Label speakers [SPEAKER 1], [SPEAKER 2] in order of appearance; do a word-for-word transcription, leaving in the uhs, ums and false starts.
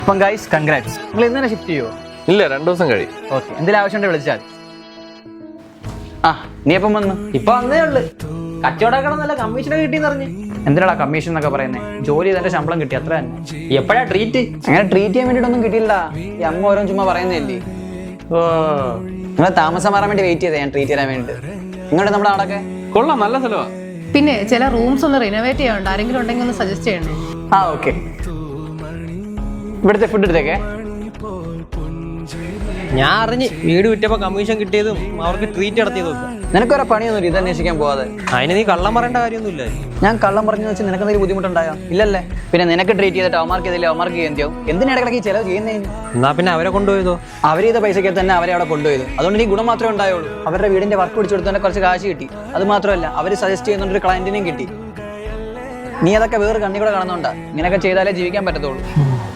[SPEAKER 1] അപ്പം guys congrats. നിങ്ങൾ ഇന്ന് തന്നെ ഷിഫ്റ്റ് ചെയ്യുമോ?
[SPEAKER 2] ഇല്ല, രണ്ടു ദിവസം കഴിയും.
[SPEAKER 1] ഓക്കെ, എന്തെങ്കിലും ആവശ്യമുണ്ടെങ്കിൽ വിളിച്ചാൽ. ആ നീ എപ്പം വന്നു?
[SPEAKER 3] ഇപ്പൊ വന്നേ ഉള്ളു. കച്ചവടക്കണം നല്ല കമ്മീഷനൊക്കെ കിട്ടിയെന്ന് പറഞ്ഞു.
[SPEAKER 1] എന്തിനാ കമ്മീഷൻ എന്നൊക്കെ പറയുന്നത്? ജോലി ചെയ്തതിന്റെ ശമ്പളം കിട്ടി, അത്ര തന്നെ.
[SPEAKER 3] എപ്പോഴാ ട്രീറ്റ്?
[SPEAKER 1] അങ്ങനെ ട്രീറ്റ് ചെയ്യാൻ വേണ്ടിയിട്ടൊന്നും കിട്ടിയില്ല. ഈ അമ്മ ഓരോ ചുമ്മാ പറയുന്നതല്ലേ.
[SPEAKER 3] ഓ,
[SPEAKER 1] നിങ്ങൾ താമസം മാറാൻ വേണ്ടി വെയിറ്റ് ചെയ്തേ ഞാൻ ട്രീറ്റ് ചെയ്യാൻ വേണ്ടിയിട്ട്. ഇങ്ങോട്ട് നമ്മുടെ അവിടെയൊക്കെ
[SPEAKER 2] കൊള്ളാം, നല്ല സ്ഥലമാ.
[SPEAKER 4] പിന്നെ ചില റൂംസ് ഒന്ന് റിനോവേറ്റ് ചെയ്യാനുണ്ട്. ആരെങ്കിലും ഉണ്ടെങ്കിൽ ഒന്ന് സജസ്റ്റ് ചെയ്യണേ.
[SPEAKER 1] ആ ഓക്കെ. ഇവിടുത്തെ ഫുഡ് എടുത്തേക്കേ.
[SPEAKER 3] ഞാൻ അറിഞ്ഞ് വീട് വിറ്റപ്പോ കമ്മീഷൻ കിട്ടിയതും അവർക്ക് ട്രീറ്റ് നടത്തിയതും ഒക്കെ.
[SPEAKER 1] നിനക്കൊരു പണിയൊന്നുമില്ല ഇത് അന്വേഷിക്കാൻ പോവാതെ.
[SPEAKER 3] അതിന് നീ കള്ളം പറയേണ്ട കാര്യമൊന്നുമില്ല.
[SPEAKER 1] ഞാൻ കള്ളം പറഞ്ഞു വെച്ച് നിനക്ക് എന്തെങ്കിലും ബുദ്ധിമുട്ടുണ്ടായോ? ഇല്ലല്ലേ. പിന്നെ നിനക്ക് ട്രീറ്റ് ചെയ്തിട്ട് അവമാർക്ക് ചെയ്തില്ല, അവമാർക്ക് ചെയ്യാൻ എന്തിനാ ഇടയ്ക്ക് ഈ ചിലവ് ചെയ്യുന്നതിന്?
[SPEAKER 3] എന്നാ പിന്നെ അവരെ കൊണ്ടുപോയതോ?
[SPEAKER 1] അവർ ചെയ്ത പൈസയ്ക്ക് തന്നെ അവരെ അവിടെ കൊണ്ടുപോയത്. അതുകൊണ്ട് നീ ഗുണം മാത്രമേ ഉണ്ടായുള്ളൂ. അവരുടെ വീടിന്റെ വർക്ക് പിടിച്ചു കൊടുത്തതിന്റെ കുറച്ച് കാശ് കിട്ടി. അത് മാത്രമല്ല അവർ സജസ്റ്റ് ചെയ്യുന്ന ഒരു ക്ലയന്റിനെയും കിട്ടി. നീ അതൊക്കെ വേറെ കണ്ണി കൂടെ കാണുന്നുണ്ടാ. ഇങ്ങനെയൊക്കെ ചെയ്താലേ ജീവിക്കാൻ പറ്റത്തുള്ളൂ.